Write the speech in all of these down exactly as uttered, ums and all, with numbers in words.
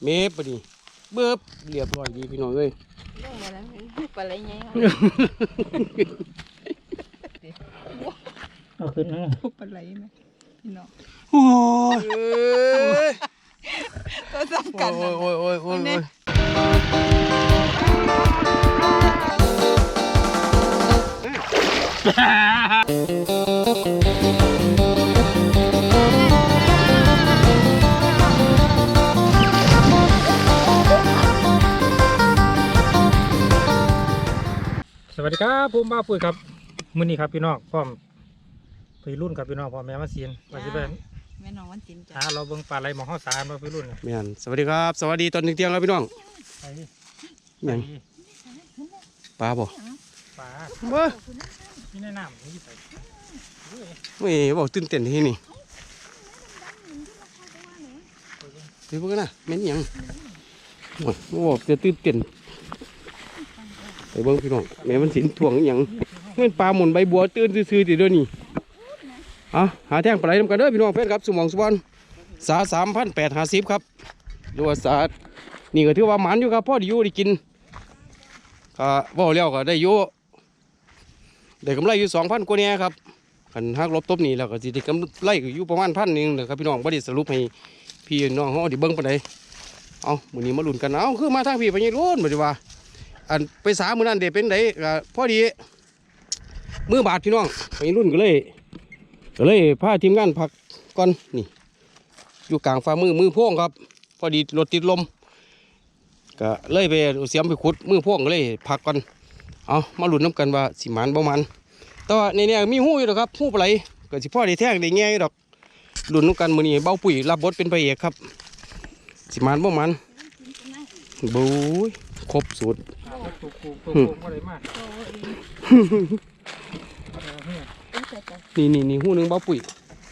เมฟปะดิเบิบเรียบร้อยดีพี่น้องเอ้ยลงมาแล้วปลาไหลไงเอาขึ้นนะปลาไหลไหมพี่น้องโอ้ยตัวสำคัญนะโอ้ยโอ้ยโอ้ยโอ้สวัสดีครับผมบ้าปุ๋ยครับมื้อนี้ครับพี่น้องพร้อมไปรุ่นกับพี่น้องพ่อแม่มาเสียนมาสิเป็นแม่น้องวันจินจ้าหาเราเบิ่งปลาไหลหมองข้าวสารมาไปรุ่นแม่นสวัสดีครับสวัสดีตอนเที่ยงครับพี่น้องยังปลาบ่ปลาเบ้อนี่ในน้ำนี่ใส่ไม่บอกตื่นเต้นที่นี่ไปพวกนั้นนะแม่นยังโอ้ยบอกจะตื่นเต้นไปเบิ่งพี่น้องแม่มันสินถ่วงอย่างเงินปลาหมุนใบบัวตื่นซื่อๆติเดี๋ยวนี้อ่ะหาแท่งปลาไหลนำกันเด้อพี่น้องเพื่อนครับสมองสุวรรณสาสามพันแปดห้าสิบครับดูว่าสานี่ก็ถือว่าหมันอยู่ครับพ่อได้อยู่ได้กินก็ว่าเลี้ยวก็ได้อยู่ได้กำไรอยู่สองพันกว่าเนี่ยครับขันหักลบตบนี่แล้วก็สิได้กำไรอยู่ประมาณพันหนึ่งนะครับพี่น้องบ่ได้สรุปให้พี่น้องเขาได้เบิ่งปานใดเอามื้อนี้มาลุ้นกันเอาคือมาทางพี่ไปยังรุ่นบ่ดีว่าอันไปสามื้อนั้นเด็เป็นไดก็พอดีมือบาดพี่น้องไปรุ่นก็เลยก็เลยพาทีมงานพักก่อนนี่อยู่กลางฝ่ามือมือพ่วงครับพอดีรถติดลมก็เลยไปเสียมไปขุดมือพ่วงก็เลยพักก่อนเอามาลุ้นน้ำกันว่าสิมันบ่มันแต่ว่าในนี้มีหู้อยู่หรอกครับหู้ปลาไหลก็สิพ่อได้แท่งได้แง่อยู่ดอกลุ้นน้ำกันมื้อนี้เบ้าปุ๋ยรับบทเป็นพระเอกครับสิมันบ่มันบู๊ยครบสูตรนี่นี่นี่หูหนึ่งเบ้าปุ๋ย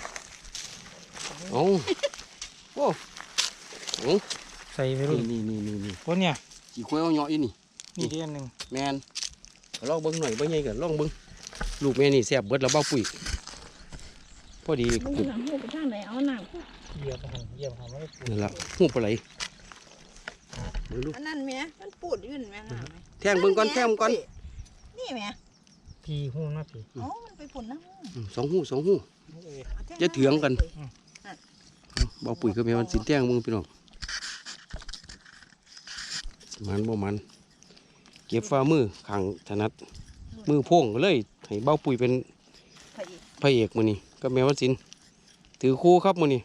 เอาโอ้โหใส่ไปรุ่นนี่นี่นี่นี่คนเนี่ยจีคุยเอาเนาะอีนี่นี่เดือนหนึ่งแมนลองเบิ้งหน่อยเบิ้งไงกันลองเบิ้งลูกแม่นี่แซ่บเบิดแล้วเบ้าปุ๋ยพอดีกุดหูไปทางไหนเอาหนังเยี่ยมเยี่ยมทำให้นี่แหละหูปลาไหลอันนั้นแม่มันปูดยื่นแม่แทงเบิ้งก่อนแทงก่อนนี่แม่พีหูนะพีอ๋อมันไปปุ่นนะสองหูสองหูจะเถียงกันเบาปุ๋ยก็มีมันสินแทงมึงพี่น้องมันบ่มันเก็บฝ่ามือขังถนัดมือโพ่งเลยให้เบาปุ๋ยเป็นพระเอกมือนี่ก็แมวสินถือคู่ครับมือนี่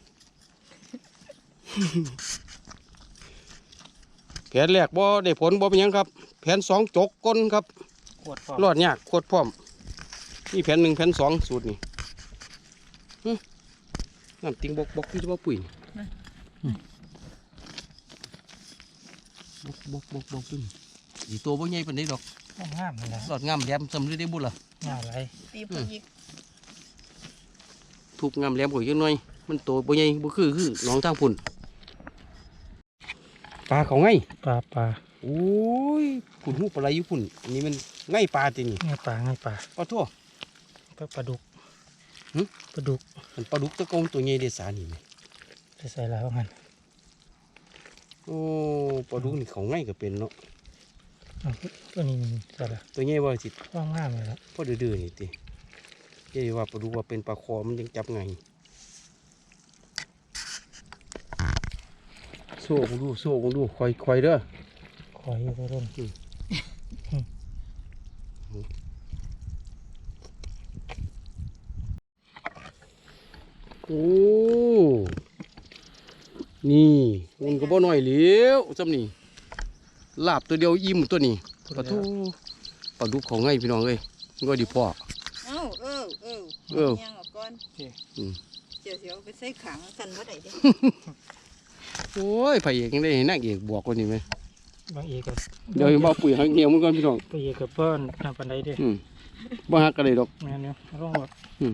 แผนแรกบ่ได้ผลบ่เป็นยังครับแผนสองจกก้นครับรอดยากโคตรพร้อมนี่แผนหนึ่งแผนสองสูตรนี่น้ำติงบกบกที่จะบ่ปุ๋ยบกบกบกบกขึ้นอีตัวบ่ใหญ่ปานใดดอกงามเลยหลอดงามแหลมสำเร็จได้บุญล่ะงามอะไรตีปุ๋ยทุกงามแหลมกว่ายังน้อยมันโตบ่ใหญ่บ่คือคือน้องทางพุ่นปลาเขาไงปลาปลาโอ้ยพุ่นหูปลาไหลอยู่พุ่นอันนี้มันไงปลาจริงไงปลาไงปลาปลาทั่วปลาปลาดุกหึปลาดุกมันปลาดุกตะกงตัวใหญ่เดสานี่ไหมใส่แล้วมันโอ้ปลาดุกนี่เขาไงก็เป็นเนาะตัวนี้ใส่ละตัวใหญ่บ่สิว่างงามเลยละพอดื้อๆนี่ติเดี๋ยวว่าปลาดุกว่าเป็นปลาคอมันยังจับไงโซ่กูดูโซ่กูดูคอยคอยเด้อคอยอยู่รุ่นโอ้นี่มันก็บ่น้อยเหลียวจำนี่ลาบตัวเดียวอิ่มตัวนี้ปลาทูปลาดุกของไงพี่น้องเอ้ยก็ดีพ่อเออเออเออเออยังออกก่อนเจียวเสียวไปใส่ขังสั่นว่าไหนดิโอ้ยพระเอกยังได้นักเอกบวกกว่านี้ไหมบางเอกกับเดี๋ยวบ่ปุ๋ยหักเงี้ยวมันก่อนพี่น้องพระเอกกับเปิ้ลทำปันไดดิบ่หักกันเลยดอกงานเนี้ยร้องแบบ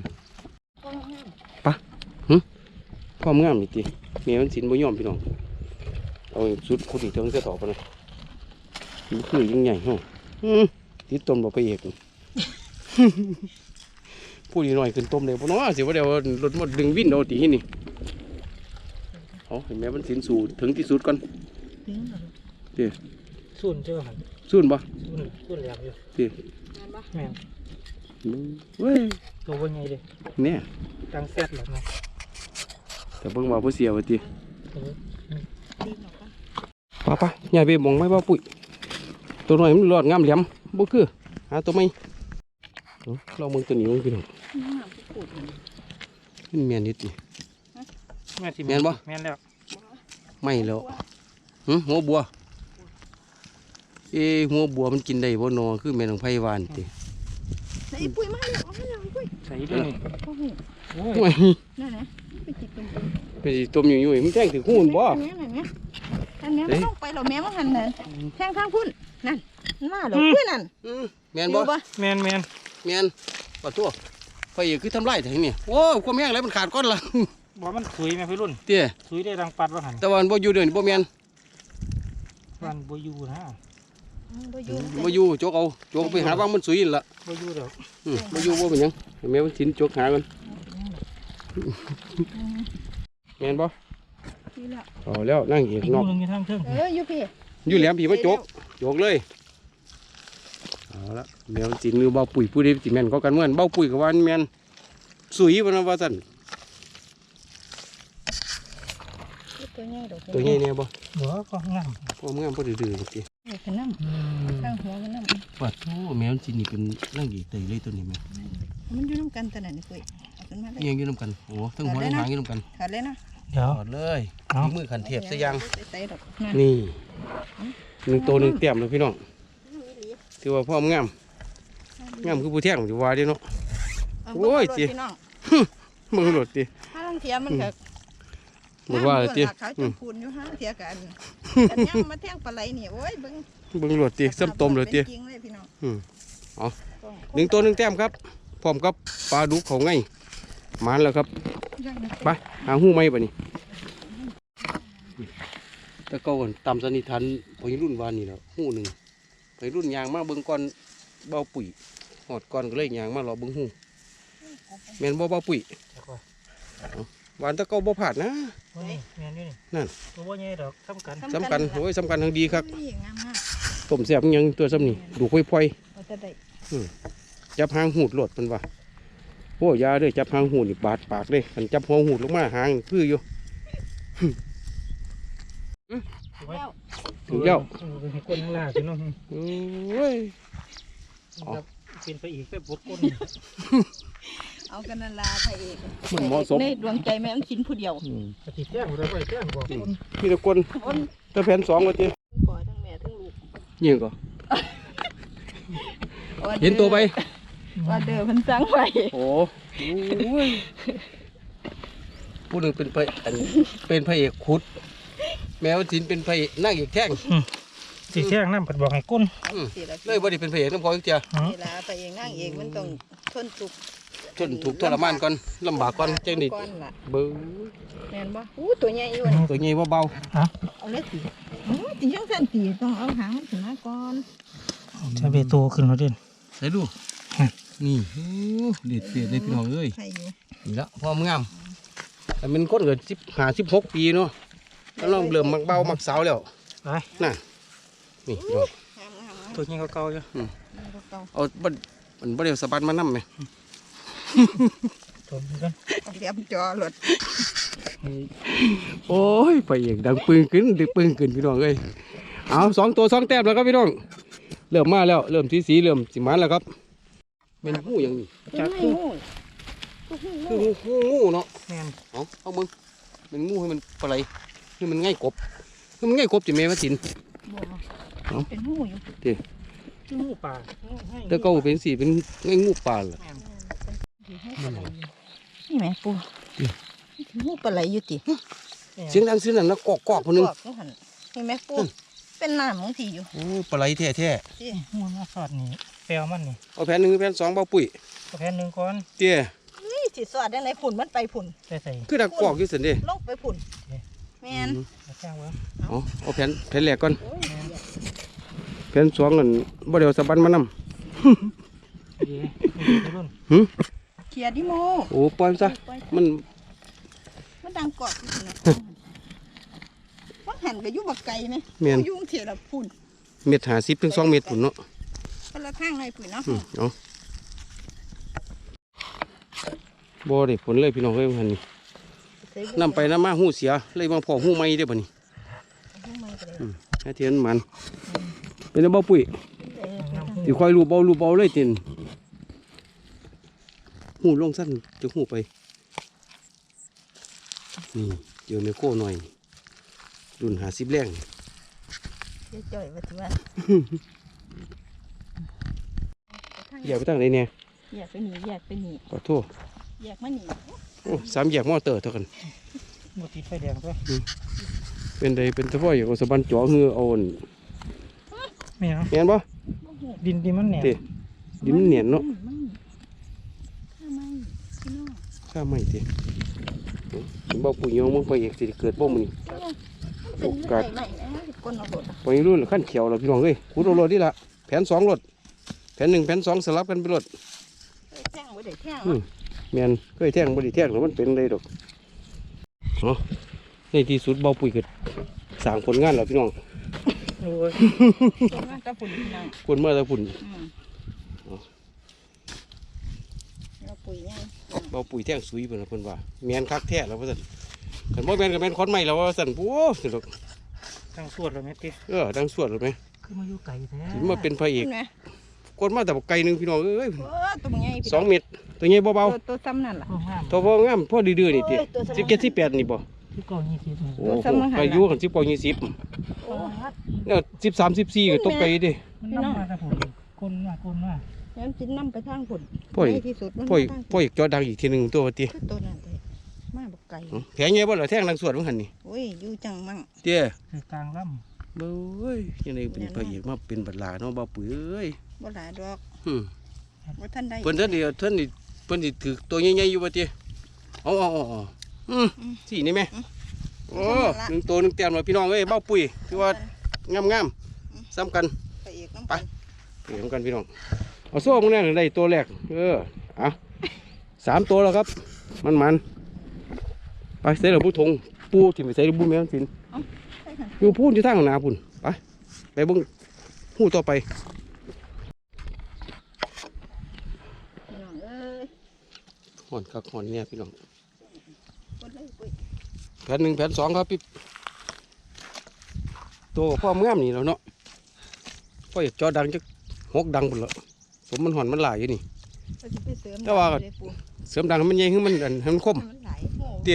ปะหึความงามนี่ติเมียมันสินบ่ยอมพี่น้องเอาสุดคนอีกเท่านั้นจะต่อไปเลยมันคือยิ่งใหญ่ฮะติดต้มบ่พระเอกพูดอีกหน่อยขึ้นต้มเลยพวกน้องสิว่าเดี๋ยวรถหมดดึงวิ่นเอาตีนี่เอาเห็นไหมมันสินสู่ถึงที่สุดก่อนถึงแล้วเตี้ยส่วนเจ้าหันซุ่นบ่ส่วนส่วนแหลมอยู่เตี้ยแม่นบ่แม่นเว้ยตัวว่าไงเด้เนี่ยตังแซดหรอกนะแต่เบิ่งว่าบ่เสียว่าติเออดีเนาะปะป้าป้าใหญ่ไปมองไว้บ่ปุ๋ยตัวน้อยมันรอดงามแหลมบ่คือหาตัวใหม่เอาเราเบิ่งตัวนี้มันพี่น้องน้ำที่ขูดมันมันแม่นนิดติแม่นสิแม่นบ่แม่นแล้วไม่แล้วหึหัวบัวเอ้หัวบัวมันกินได้บ่นอคือแม่นของไผหวานติไอ้ปุ้ยมาแล้วเอามาแล้วไอ้ปุ้ยใส่ด้วยนี่โอ้โหโอ้ยโอ้ยนั่นนะไปจิกตรงนี้ไปสิต้มอยู่ๆมันแท่งถึงหูนบ่อันนี้อันนี้อันนี้มันต้องไปหรอแม่มันหันเลยแทงทางพุ่นนั่นมาหรอปุ้ยนั่นอืมแม่นบ่อยู่แม่นแม่นแม่นปะตัวไฟอีกคือทำลายแท้นี่โอ้ยความแห้งแล้วมันขาดก้อนละบ่มันสุยแม่พี่รุ่นเตี้ยสุยได้ดังปัดว่าหันแต่ว่ามันบ่อยู่เดี๋ยวนี้บ่แม่นมันบ่อยู่นะบ่อยู่บ่อยู่โจกเอาโจกไปหาว่างมันสุยนั่นล่ะบ่อยู่ดอกอืมบ่อยู่บ่เป็นหยังให้แม่มันสินโจกหากันแม่นบ่นี่แหละเอาแล้วนั่งอีกอีกนอกหนึงอยู่ทางเทิงเอออยู่พี่อยู่แหลมพี่มาโจกโจกเลยเอาละแม่มันสินหรือเบาปุ๋ยผู้ใดสิแม่นก็กันเหมือนเบาปุ๋ยก็ว่ามันแม่นสุยบ่นะว่าซั่นตัวใหญ่ดอกตัวใหญ่แน่บ่บ่ก็งามพอมันงามบ่ดื้อๆติเอ้ยเป็นน้ำข้างหัวมันน้ำว่าโธ่แม่มันสินี่เป็นนั่งอีกเตยเลยตัวนี้แม่มันอยู่น้ำกันตัวไหนนี่ปุ้ยเอาขึ้นมาเลยเอียงอยู่นํกันโอ้ทั้งหัวทั้งหางอยู่นํกันถอดเลยนะเดี๋ยวถอดเลยเอาฝีมือขันเทียบซะยังใส่ดอกนี่หนึ่งตัวหนึ่งเต็มเลยพี่น้องถือว่าพ่อมงามงามคือผู้แท่งอยู่ว่าเดิเนาะ โอ้ยจีจิน้องมือหลดดิถ้าลังเทียมันก็มือว่าเลยดิเขาจมพูนอยู่ห้าเทียกันกันยังมาแท่งปลาไหลนี่โอ้ยเบิ้งเบิ่งหลดดิซ้ำต้มเลยดิจริงเลยพี่น้องหนึ่งตัวหนึ่งแต้มครับพร้อมกับปลาดุกเขาไงมานแล้วครับไปหาหูไหมปะนี่แต่ก็ก่อนตามสนิทานพอรุ่นวานนี่แล้วหูหนึ่งไปรุ่นยางมาเบิ่งก่อนเบาปุ๋ยหอดก่อนก็เลยยางมารอเบิ่งหูแม่นบ่เบาปุ๋ย หวานตะเกาบ่ผาดนะโอ้ยแม่นอยู่นี่นั่นตัวบ่ใหญ่ดอกสำคัญสำคัญโอ้ยสำคัญทางดีครับนี่งามมากต้มแซ่บอิหยังตัวซ้ำนี่ดูค่อยว่าจะได้ๆจับหางหูดโหลดเป็นว่าโอ้ยาเด้อจับหางหูดนี่บาดปากเลยกันจับหัวหูดลงมาหางคืออยู่แล้วถึงแล้วเออเป็นคนข้างล่างพี่น้องโอ้ยครับเป็นไปอีกไปบดก้นเอากันนันลาพระเอกมันเหมาะสมในดวงใจแม่มันชิ้นผู้เดียวอืมปฏิแจ้งเราไปแจ้งบอกคนพี่ตะกนตะแผ่นสองก็เจ้ปล่อยทั้งแม่ทั้งลูกยิงก็เห็นตัวไปว่าเดิมมันสั่งไปโอ้โอ้ยผู้หนึ่งเป็นพระอันเป็นพระเอกขุด แมวสินเป็นพระเอกนั่งเอกแท่งสิแจ้งน้ำผัดบอกให้ก้นอืมสิละเลยบ่ได้เป็นพระเอกน้ำพออีกเจ้าเวลาพระเอกนั่งเอกมันต้องทนทุกข์ทนถูกข์ทรมานก่อนลำบากก่อนจังนี่ก่อนล่ะเบิ้งแม่นบ่อู้ตัวใหญ่อยู่นี่ตัวใหญ่บ่เบาเอาเลยสิโอ้ยตีจังซั่นตีต้องเอาหางมันขึ้นมาก่อนจะไปโตขึ้นแล้วเด่นใส่ดู นี่โอ้เด็ดเด็ดเลยพี่น้องเอ้ยใช่อยู่นี่ละพร้อมงามแต่เป็นคนเกิดสิบห้าสิบหกปีเนาะแล้วเราเริ่มมักเบามักสาวแล้วไปน่ะนี่พี่น้องงามงามตัวนี้เขาเก่าอยู่เก่าเอาบัดมันบ่ได้เอาสะบัดมานํไหมตัวนี้กันเรียบจอรถโอ้ยไปเอกดังปึ้งขึ้นดึกปึ้งขึ้นพี่น้องเอ้ยเอาสองตัวสองแต้มแล้วครับพี่น้องเริ่มมาแล้วเริ่มสีสีเริ่มสิมันแล้วครับเป็นหูอย่างนี้จักคืองูงูงูเนาะแม่นเอาเอามึงเป็นงูให้มันปลาไหลให้มันง่ายกบให้มันง่ายกบจะแม่มาสินบ่เป็นหูอยู่คือหมูป่าแต่ก็เป็นสีเป็นง่ายงูปลาล่ะนี่แม่ปูหูปลาไหลอยู่ติเสียงดังเสียงนั้นนะกอกกอกคนนึงนี่หั่นนี่แม่ปูเป็นน้ำของที่อยู่โอ้ปลาไหลแท้แท้สิหมูมาสอดนี่แปลวมันนี่เอาแผ่นหนึ่งแผ่นสองเบาปุ๋ยกระแพนหนึ่งก้อนเตี้ยนี่สิสอดได้ไหนฝุ่นมันไปฝุ่นใส่ใส่คือดักกอกอยู่สินเด้ลงไปฝุ่นแม่นแจ้งไว้เอาเอาแผ่นแผ่นแรกก่อนโอ้ยแผ่นสองนั่นบ่ได้เอาสะบันมานำดีดีรุ่นหึเขียดิโมโอ้ปล่อยมันซะมันมันดังกอกอยู่นะว่าหันหันก็อยู่บักไก่ไหมแม่นอยู่เทียละพุ่นเม็ดหาสิบถึงสองเม็ดพุ่นเนาะคนละข้างเลยพุ่นเนาะอืมเอาบ่ได้ผลเลยพี่น้องเอ้ยหันนี่นำไปนำมาหูเสียเลยมาพอหูใหม่เด้อบัดนี้อืมให้เทียนมันเป็นบ่ปุ๋ยสิค่อยรูปเบารูปเบาเลยตินหูลงสั้นจะหูไปนี่เจอเมโคหน่อยรุ่นหาสิบแรงเดี๋ยวจ่อยว่าสิว่าแยกไปตั้งไหนเนี่ยแยกไปนี่แยกไปนี่ขอโทษแยกมานี่โอ้สามแยกมอเตอร์เท่ากันหมดติดไฟแดงด้วยเป็นใดเป็นทว่าอย่างเอาสะบันจ่อเหือเอาอ่อนไม่เอาเห็นปะดินดินมันแหนมเตะดินมันเหนียนเนาะข้าไม่พี่น้องข้าไม่เตะถึงบ่ปุ๋ยยองมึงไปเอกสิเกิดบ่มึงเป็นเรื่องใหม่ๆนะก้นเอาบดไปรุ่นขั้นเขียวแล้วพี่น้องเอ้ยคูดเอารถนี่ละแผนสองรถแผนหนึ่งแผนสองสลับกันไปรถแท่งไว้เดี๋ยวแท่งอืมแมนเคยแท่งบ่ได้แท่งแล้วมันเป็นเลยดอกเนาะในที่สุดเบาปุ๋ยเกิดสร้างผลงานแล้วพี่น้องโอ้ยก้นว่าตะฝุ่นพี่น้องคนเมื่อตะพุ่นอืมเราปุ๋ยไงเบาปุ๋ยแท่งสุยเพิ่นน่ะเพิ่นว่าแมนคักแท้แล้วว่าซั่นคันบ่แม่นก็แม่นคอนใหม่แล้วว่าซั่นโอ้สิดอกตั้งสวดเลยไหมติเออดังสวดเลยไหมคือมาอยู่ไกลแท้สิมาเป็นพระเอกนะกดมาแต่บักไก่หนึงพี่น้องเอ้ยโอ้ตัวใหญ่พี่สองเม็ดตัวใหญ่เบาตัวตัวซ้ำนั่นล่ะห้องห้ามๆตัวพองามพอดื้อๆนี่ติโอ้ยตัวสมองสิบเจ็ดสิบแปดนี่บ่ที่ก่อนยี่สิบโอ้โหอายุกันสิบกว่ายี่สิบโอ้แล้วสิบสามสิบสี่ก็ตกไก่ดิมันน้ำมาแต่ผมกลนมากลนมากยันจินน้ำไปทางฝุ่นพ่อยในที่สุดมันพ่อยทางพ่อยจอดังอีกทีหนึงตัวว่าติคือตัวนั้นเลยมาบักไก่แผงใหญ่บ่ล่ะแท่งดังสวดมันหั่นนี่โอ้ยอยู่จังมั่งเตี้ยคือกลางลเบ้ยยังไงเป็นพระเอกมาเป็นบัดลาเนาะบ่ปุ๋ยเอ้ยบ่หลายดอกอืมว่าท่านได้เพิ่นเท่านนี่เท่านนี่เพิ่นสิถือตัวใหญ่ๆอยู่บ่ติเอาเอาเอาเอาอืมสินี่แม่โอ้หนึ่งตัวหนึ่งแต้มแล้วพี่น้องเอ้ยเบ้าปุ๋ยคือว่างามๆซ้ำกันไปเอกน้ำไปเห็นกันพี่น้องเอาโซ่มึงแน่งได้ตัวแรกเออเอาสามตัวแล้วครับมันมันไปใส่ระบุทงปูถิ่มไปใส่ระบุแมวสินใช่ค่ะอยู่พูนอยู่ทางหนาพุ่นไปไปเบิ้งหู้ต่อไปพี่น้องเอ้ยห่อนคักห่อนเนี่ยพี่น้องกดเลยปุ้ยแผ่นหนึ่งแผ่นสองครับพี่ตัวพ่อมงามนี่แล้วเนาะพ่ออยากจอดังจะหกดังพุ่นละสมมันห่อนมันหลายอยู่นี่ก็จะไปเสริมแต่ว่าเลยปูเสริมดังให้มันใหญ่ให้มันอันให้มันคมมันไหลายหูเตี้ย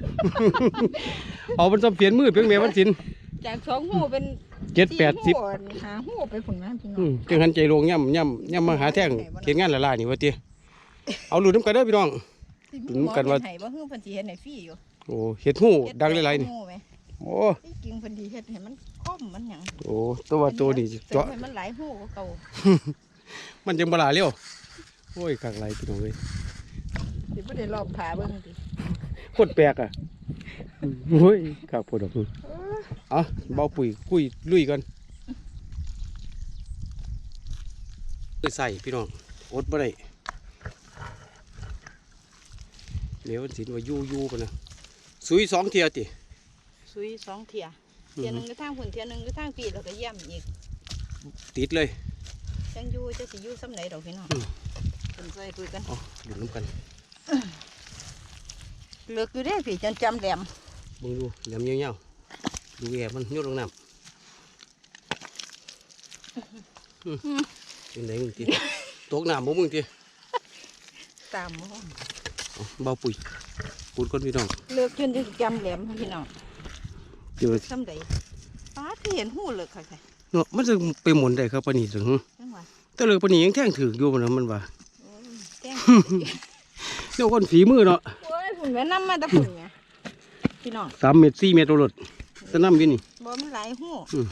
เอามันจะเปลี่ยนมือเพียงแม่มันสินจากสองหูเป็นเจ็ดแปดสิบหูหาหูไปผลงานพี่น้ออืงมจังหันใจลงย่ำย่ำย่ำมาหาแท่งเขียนงานละลายนี่ว่าเตี้ยเอาหลุดน้ำกันเด้อพี่น้อง ถึงกันว่าไห้บ่ฮื้อเพิ่นสิเฮ็ดให้ฟรีอยู่โอ้เห็ดหูดังหลายๆนี่หูไหมโอ้ที่จริงเพิ่นสิเฮ็ดให้มันคมมันหยังโอ้ตัวว่าตัวนี้เสริเจาะมให้มันหลายหูกว่าเก่ามันจังบลาเร็วโอ้ยข้างไรพี่น้องเลยสิบ่ได้รอบขาเบิ่งติโคตรแปลกอ่ะโอ้ยข้าวโพดดอกพึ่งเอาเบาปุ๋ยคุยลุยกันใส่พี่น้องอดบ่ได้เดี๋ยวสินว่ายู่ยู่กันนะสุยสองเทียติซุยสองเที่ยเที่ยหนึงก็ทางพุ่นเที่ยหนึงก็ทางปีแล้วก็เยี่ยมอีกติดเลยจังอยู่จะสิอยู่ซ้ำไหนดอกพี่น้องอืมเพิ่นใส่คุยกันเอาหลุดน้ำกันเลือกอยู่เด้พี่จันจำแหลมเบิ่งดูยำเงี้ยวๆดูแอบมันโยนลงน้ำอืมเป็นไงมึงทีตกน้ำบ่มึงทีตามบ่เอาเบาปุ๋ยปูดก้นพี่น้องเลือกจนจะจำแหลมพี่น้องเจอซ้ำใดป้าที่เห็นหูเลือกค่ะค่ะเนาะมันจะไปหมุนได้ครับปานนี้ถึงจังหวะแต่เลยปานนี้ยังแท่งถืออยู่บ่นะมันว่าโอ้ยแจ้งเดี๋ยวคนฝีมือเนาะโอ้ยฝุ่นแม่น้ำมาแตะฝุ่นไงพี่น้องสามเมตรสี่เมตรโอรสจะน้ำอยู่นี่บ่มันหลายหู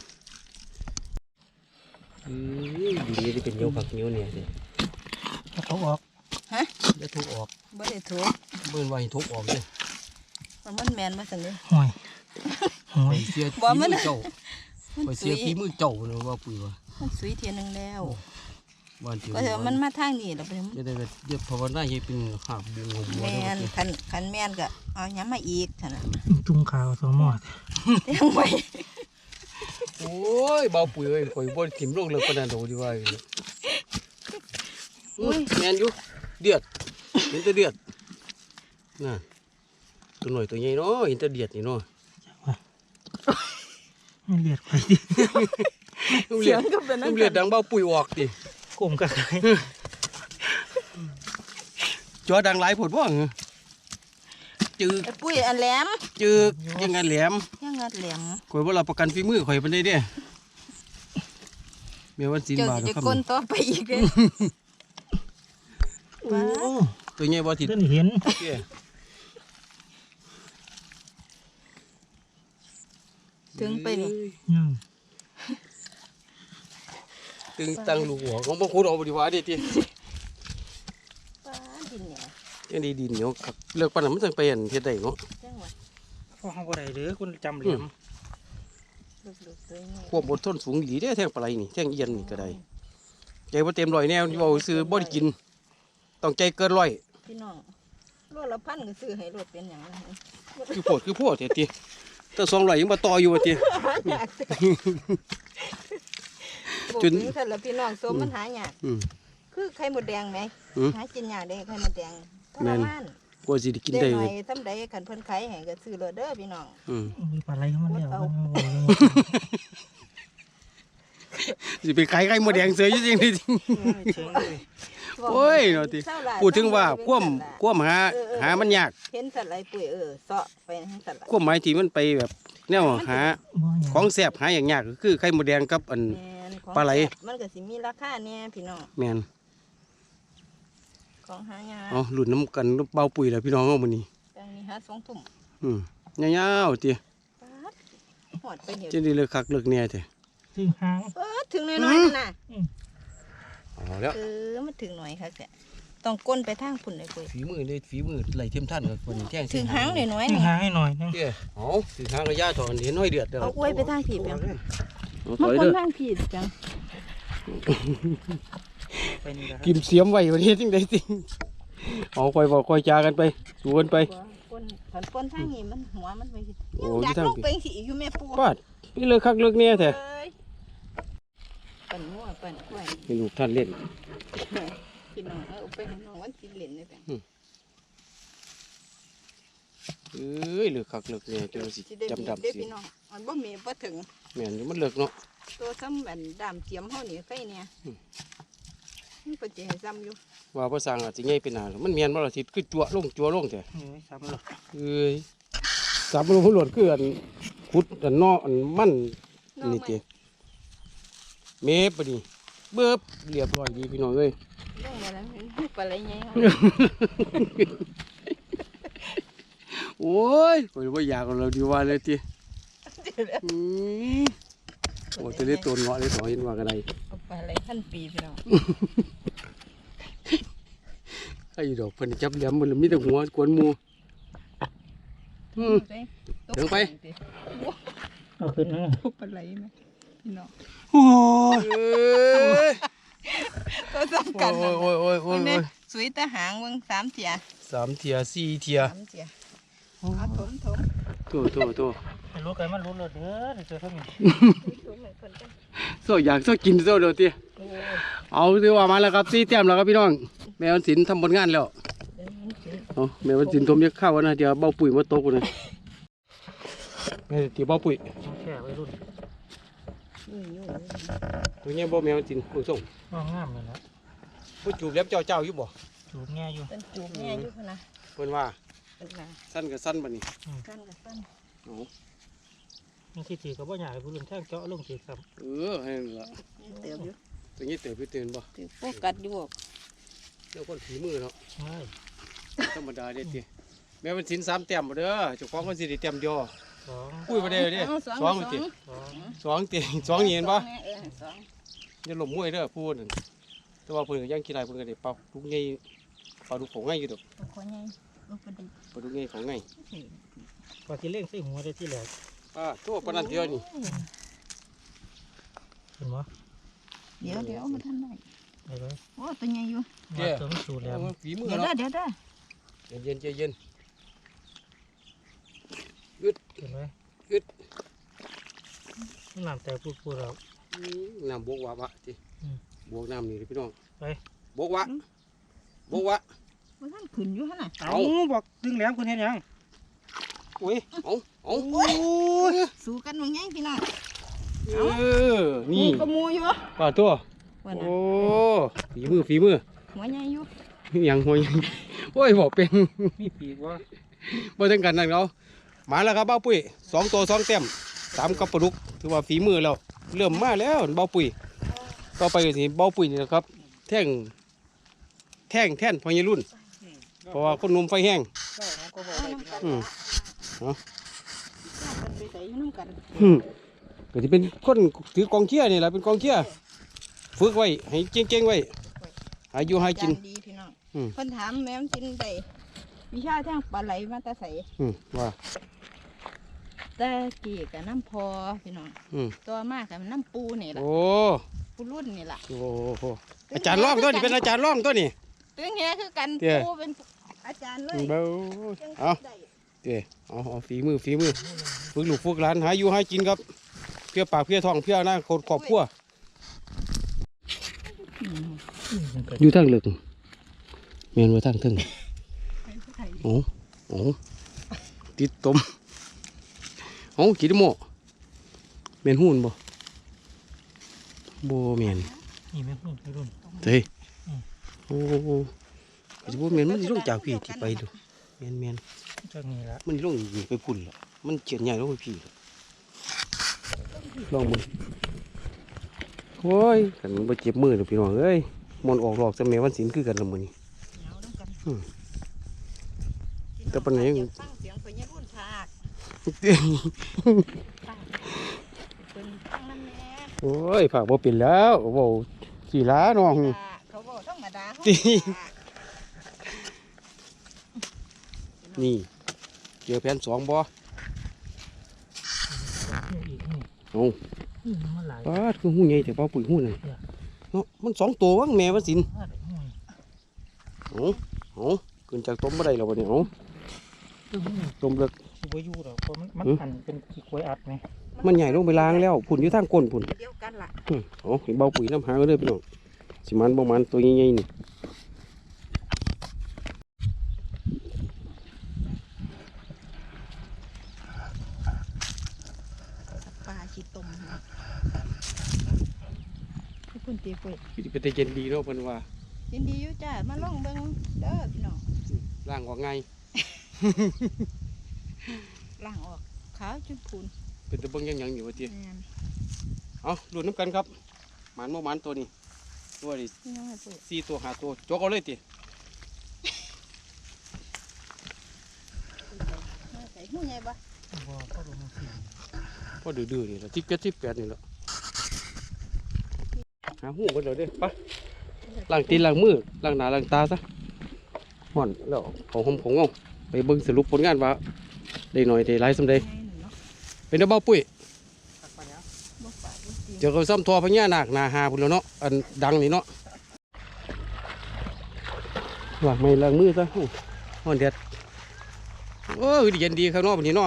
อือดีนี่เป็นเงี้ยวผักเงี้ยวเนี่ยสิำเขาออกฮะจะทุกออกบ่ได้ถูกเบิ่นว่าให้ทุกออกเลยมันมันแมนมาสั่นเลยห่วยห่วไปยเสียบ่ฝีมัมืนอเจ้าไปมันเสีสุยยฝีมือเจ้าเนาะว่าปุ๋ยว่ามันสุยเทียหนึงแล้วบ้านเจียวก็เถอะมันมาทางนี้แล้วไปจะได้ก็เรียกภาวนาให้เป็นหาบบุญของบัวแมเด้อนคันคันแมนก็เอาหยังมาอีกเท่านั้นจุงขาวสมอดยังไว้ยเบาปุ๋ยเอ้ยข่อยบ่ถิ่มลงเลยปานนั้นโดดีว่าอุ้ยแม่นอยู่เดือดเห็นแต่เดือดน่ะตัวหน่อยตัวใหญ่เนาะเห็นแต่เดือดนี่เนาะมันเลียดไปดิเสียงก็เป็นนั่นเลือดดังเบาปุ๋ยออกดิกลมกันจอดังหลายผดบ่เหรอจืดไอ้ปุ้ยอันแหลมจืดยังไงแหลมยังงัดแหลมข่อยว่าเราประกันฝีมือข่อยปานใดเด้แม่วันศีลเจ้าบาทสิคจะรับก้นต่อไปอีกเลยโอ้ตัวใหญ่บ่ติดเพิ่นเห็นเด้ถึงไปนี่ยังตึงตังลูกหัวของบ่คูดเอาบ่ดีว่าเด้ติป้าดินเนี่ยจังได๋ดินเหนียวคักเลิกปานนั้นมันจังไปอันเฮ็ดได้เนาะจังหวะพ่อเฮาบ่ได้เด้อคุณจำเหลี่ยมลูกๆตัวนี้ความอดทนสูงดีเด้แท่งปลาไหลนี่แท่งเอียนนี่ก็ได้ใจบ่เต็มร้อยแนวเว้าซื้อบ่ได้กินต้องใจเกินร้อยพี่น้องรถละพันก็ซื้อให้รถเป็นอย่างนั้นคือโพดคือโพดเด้ติแต่สองร้อยยังบ่ต่ออยู่ว่าติอยากซื้อจนบอกถึงท่านละพี่น้องสมมันหายากอืมคือไข่มดแดงไหมอืมหากินยากเด้ไข่มดแดงทแม่รนมานกว่าสิได้กินเด็ได้กหน่เลอย ยทำใดขันเพิ่นขายให้ก็ซื้อเลยเด้อพี่น้องอืมมีปลาไหลเข้ามาแล้วมันโอ้ยสิไปขายไข่มดแดงเสืออยู่จริงดิเฉยเลยโอ้ยเนาะติเศร้าหลยพูดถึงว่าความเศร้ความหาเออเออหามันยากเห็นสัตว์ไรปุ๋ยเออเสาะไปให้สัตว์ละความหมายที่มันไปแบบแนวหาบ่หยังของแซ่บหาอย่างยากก็คือไข่มดแดงกับอันแม่นของปลาไหลแซ่บมันก็สิมีราคาเนี่ยพี่น้องแม่นของหายากเอาหลุดน้ำกันเบาปุ๋ยแล้วพี่น้องเอามื้อนี้จังนี้หาสองทุ่มอืมยาวๆติปาดหอดไปเดี๋ยวจังได๋เลิกคักเลิกแน่แท้ซึ่งหางเออถึงน้อยๆนั่นน่ะเอาแล้วเออมันถึงหน่อยค่ะแกต้องก้นไปทางพุ่นเลยปุ๋ยฝีมือเลยฝีมือไหลเทียมท่านกับคนแท่งถึงหางน้อยๆซึ่งนี่หางให้หน่อยนึงเด้อเอาถึงหางระยะถอนเห็นห้อยเดือดเด้อเอาอวยไปทางผีเปียงเอาถมาอยก้นเด้อทางผีจังไปนี่นะครับกิมเสียมไว้วันนี้จังได๋ติเอาค่อยบอกค่อยจากันไปสู่กันไปก้นขันก้นทางนี้มันหัวมันไปสิโอ้ยังอยากที่ทางลงผีไปสิอยู่แม่ปูปาดพี่เลิกคักเลิกแน่แท้เอ้ยปั่นมั่วปั่นกล้วยให้ลูกท่านเล่นพี่น้องเอาไปให้น้องวันกินเหรียญเลยแปงเอ้ยเลิกคักเลิกแน่จังสิสิได้จำมีดำได้สิพี่น้องมันบ่มีบ่ถึงแม่นอยู่มันเลิกเนาะตัวซ้ำแบบดามเจียมเฮานี่ไข่เนี่ยอืมมันเป็นจะให้ซ้ำอยู่ว่าภาษาอาจสิใหญ่เป็นหน้าแล้วมันแม่นบ่ล่ะสิคือจั่วลงจั่วลงแท้เฮ้ยซ้ำแล้วเอ้ยสามโลผู้หลวดคืออันขุดอันนออันมันนี่ติเมฟปะนี่เบิบเรียบร้อยดีพี่น้องเอ้ยลงมาแล้วมันปลาไหลใหญ่เฮาโอ้ยโอ้ยว่าอยากเอาเราดีว่าเลยทีอืมโอ้จะได้ตัวเงาะได้ต่อเห็นว่ากันไดเอาปลาไหลพันปีพี่น้องไอ้ดอกเพิ่นจับแหลมมันมีแต่หัวกวนหมูอืม ถึงไปเอาขึ้นนะปลาไหลไหมพี่น้องโอ้ยเอ้ยตัวสำคัญโอ้ยโอ้ยโอ้ยโอ้ยเบิ่งโอ้แน่ยสวยแต่หางเบิ่งสามเทียสามเทียสี่เทียสามเทียเอาถมถมโตโตโตให้รู้กันมันรู้เลยเด้อเดี๋ยวเจอเท่านี้ถมให้เพิ่นกันโซอยากโซกินโซเดี๋ยวทีโอ้ยเอาถือว่ามาแล้วครับสี่แต้มแล้วครับพี่น้อง แม่วันศิลป์ทำผลงานแล้วเดี๋ยวมันสิเอาแม่วันศิลป์ทมยักข้าวนะเดี๋ยวเบาปุ๋ยมาตกนะแม่ตีเบาปุ๋ยต้องแค่ไว้รุ่นยุ่ยยุ่ยตัวเนี้ยบ่แม่วันศิลป์คุณส่งงามงามเลยนะผู้จูบเล็บเจ้าเจ้าอยู่บ่จูบแง่อยู่เป็นจูบแม่อยู่พุ่นนะเพิ่นว่าเป็นหนาสั้นกับสั้นบัดนี้สั้นกับสั้นเอานี่ที่ถือกับว่าอยากให้ผู้รุ่นแท่งเจาะลงถือครับเออให้นั่นละเติมอยู่ตัวนี้เต๋อไปเตือนบ่ถือโฟกัสอยู่เดี๋ยวคนฝีมือเนาะใช่ธรรมดาเด็ดติแม่วันศิลป์สามแต้มบ่เด้อเจ้าของคนสิได้แต้มเดียวสองปุ้ยบ่ได้เด้อเอาสสออง งติสองสองติสองนี่เห็นบ่เออสองอย่าหลบมวยเด้อพูดนั่นแต่ว่าเพิ่นก็ยังขี้ลายเพิ่นก็ได้เป่าลูกใหญ่เป่าลูกของง่ายอยู่ดอกตัวคนใหญ่ลูกกระดิกเป่าลูกใหญ่ของง่ายพอที่เล่งใส่หัวได้ที่แหลกอ่าโทษปานนั้นเดียวนี่เห็นไหมเดี๋ยวเดี๋ยวมาทันไหนได้ไหมโอ้ตัวใหญ่อยู่มาเติมสูตรแล้วเอาฝีมือเดี๋ยวเนาะเด้อเดี๋ยวเด้อเย็นๆใจเย็นเห็นไหมอึดน้ำแต่พูดพูดแล้วน้ำบวกวะวะทีอืมบวกน้ำนี่เลยพี่น้องไปบวกวะบวกวะมันท่านขึ้นอยู่หั่นน่ะเอาบอกดึงแหลมคุณเห็นยังโอ้ยเอาเอาโอ้ยสู้กันมึงยังพี่น้องเออนี่ก็มูอยู่ปลาตัวว่าน่ะโอ้ฝีมือฝีมือหัวใหญ่อยู่ยังหัวยังโอ้ยบอกเป็นมีปีกวะบ่ถึงกันนั่นเนาะมาแล้วครับเบ้าปุ้ยสองตัวสองเต็มสามกับปลาดุกถือว่าฝีมือแล้วเริ่มมาแล้วเบ้าปุ้ยต่อไปก็สิเบ้าปุ้ยนี่นะครับ แท่งแท่งแท่นพญรุ่น เพราะว่าคนหนุ่มไฟแห้งได้เขาก็บอกเอาได้น้ำกันอืมเอากันไปใส่อยู่น้ำกันอืมก็จะเป็นคนถือกองเชียร์นี่แหละเป็นกองเชียร์ฝึกไว้ให้เก่งๆไว้หาอยู่หากินจดีพี่น้องอืมเพิ่นถามแม่มนกินได้วิชาทางปลาไหลมาแตาใสอืมว่าแต่กี้กับน้ำพอพี่น้องอืมตัวมากกับน้ำปูนี่แหละโอ้ปูรุ่นนี่แหละโอ้โหอาจารย์ร่องตัวนี้เป็นอาจารย์ร่องตัวนี้ตึงเงี้ยคือกันเตี้ยปูเป็นอาจารย์เลยเบ้าจังเอาได้เดี๋ยวเอาเอาฝีมือฝีมือฝึกลูกฝึกหลานหาอยู่หากินครับเพื่อปากเพื่อท้องเพื่อหน้าคนครอบครัวอืมอยู่ทางลึกเมียนว่าทางถึงไปผู้ไทยโอ้โอ้ติดตมโอ้กินโมเมียนหุ่นบ่บ่เมียนนี่แม่รุ่นรุ่นเฮ้ยโอ้ก็จะบ่เมียนมันสิลงจากพี่ที่ไปดูเมียนเมียนจากนี้ละมันสิลงอยู่ไปพุ่นแล้วมันเจียนใหญ่ลงไปพี่ลองมึงโอ้ยกันมันบ่เจ็บมือหรอกพี่น้องเอ้ยมันออกหลอกจะแม่วันศิลคือกันละมื้อนี้เอาน้ำกันอืม แต่ปานไหนอยากฟังเสียงพญารุ่นพากฟังเป็นฟังนั่นแหละโอ้ยฝากบ่เป็นแล้วเว้าสีล้าน้องเขาบอกธรรมดาเขาติ นี่เจอแผ่นสองบ่อีกนี่เอานี่มันหลายปาดคือหูใหญ่แต่เป้าปุ๋ยหูนั่นเนาะมันสองตัววังแม่ว่าสินเอาเอาขึ้นจากต้มบ่ได้แล้วบ่เนี่ยเอาต้มเลิกชิบอยู่หรอกเพราะมันมันอืมหั่นเป็นขี้กล้วยอัดไหมมันใหญ่ลงไปล้างแล้วพุ่นอยู่ทางก้นพุ่นเดียวกันล่ะอืมเอาเห็นเบาปุ๋ยน้ำหางก็เลยพี่น้องสิมันบ่มันตัวใหญ่ๆนี่ปลาชีต้มให้คุณตีปุ้ยคือสิเป็นแต่เย็นดีเนาะเพิ่นว่ายินดีอยู่จ้ามาลองเบิ่งเด้อพี่น้องล้างออกง่ายล้างออกขาวจุดพูนเป็นตะเบิ่งยังหยังอยู่ว่าติแม่นเอาดูน้ำกันครับหมันบ่หมันตัวนี้ตัวนี้นี่ยังไงปุ้ยสี่ตัวห้าตัวจกเอาเลยติมาใส่หูใหญ่บ่บ่ก็ลงมาสิพอดื้อๆนี่ละที่เจ็ดที่แปดนี่ละหาหูกันเลยเด้อไปล้างตีนล้างมือล้างหน้าล้างตาซะห่อนแล้วเอาหอมของเอาไปเบิ่งสรุปผลงานว่าได้หน่อยได้หลายสำใดใหญ่หนึ่งเนาะเป็นดอกเบ้าปุ้ยตักไปแล้วบ่ปากบ่ตีเจอกับซ้ำทอพญานาคหนาหาพุ่นแล้วเนาะอันดังนี่เนาะล้างไม่ล้างมือซะอู้ห่อนแดดเออเย็นดีข้างนอกแบบนี้เนาะ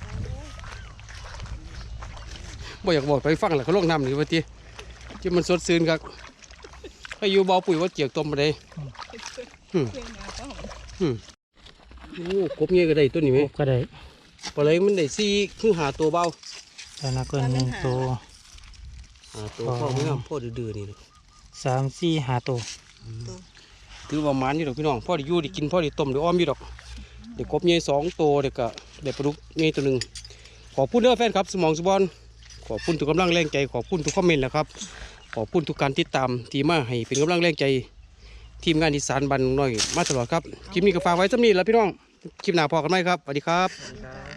บ่อยากบอกไปฟังแหละเขาลงน้ำนี่ว่าทีที่มันสดซื่นครับให้อยู่เบาปุ๋ยว่าเจียกต้มมาได้เพื่อนมาก็หอมโอ้กบเงี้ยก็ได้ตัวนี้ไหมก็ได้ปลาไหลมันได้สี่คือหาตัวเบาแต่นักเกินหนึ่งตัวหาตัวพ่อไม่น้ำพ่อดื้อๆนี่นะสามสี่ห้าตัวถือว่ามันอยู่ดอกพี่น้องพ่อได้อยู่ได้กินพ่อได้ต้มได้อ้อมอยู่ดอกเด็กกบเงี้ยสองตัวเด็กก็ได้ปลาดุกเงี้ยตัวหนึ่งขอบคุณเด้อแฟนครับสมองสบอนขอบคุณทุกกำลังแรงใจขอบคุณทุกคอมเมนต์นะครับขอบคุณทุกการติดตามที่มาให้เป็นกำลังแรงใจทีมงานอีสานบันน้อยมาตลอดครับคลิปนี้ก็ฝากไว้สำนี้แล้วพี่น้องคลิปหน้าพอกันไหมครับสวัสดีครับครับ